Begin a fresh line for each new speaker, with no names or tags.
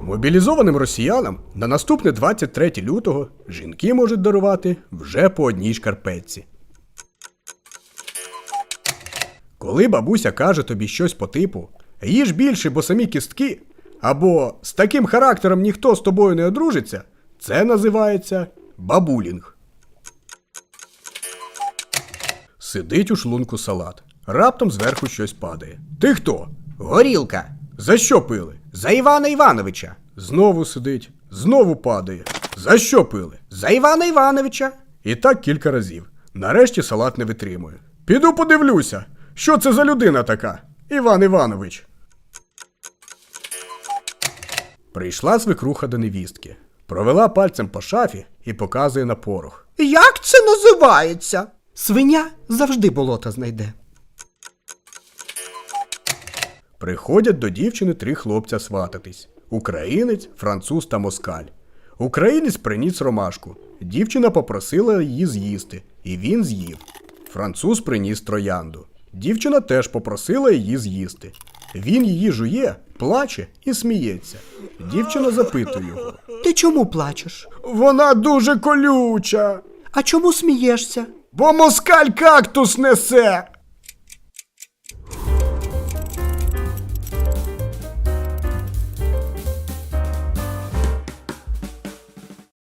Мобілізованим росіянам на наступне 23 лютого жінки можуть дарувати вже по одній шкарпетці. Коли бабуся каже тобі щось по типу «їж більше, бо самі кістки» або «з таким характером ніхто з тобою не одружиться», це називається бабулінг. Сидить у шлунку салат. Раптом зверху щось падає. Ти хто?
Горілка.
За що пили?
За Івана Івановича.
Знову сидить. Знову падає. За що пили?
За Івана Івановича.
І так кілька разів. Нарешті салат не витримує. Піду подивлюся, що це за людина така? Іван Іванович. Прийшла свекруха до невістки. Провела пальцем по шафі і показує на порох.
Як це називається? Свиня завжди болота знайде.
Приходять до дівчини 3 хлопця свататись. Українець, француз та москаль. Українець приніс ромашку. Дівчина попросила її з'їсти, і він з'їв. Француз приніс троянду. Дівчина теж попросила її з'їсти. Він її жує, плаче і сміється. Дівчина запитує його.
Ти чому плачеш?
Вона дуже колюча.
А чому смієшся?
Бо москаль кактус несе.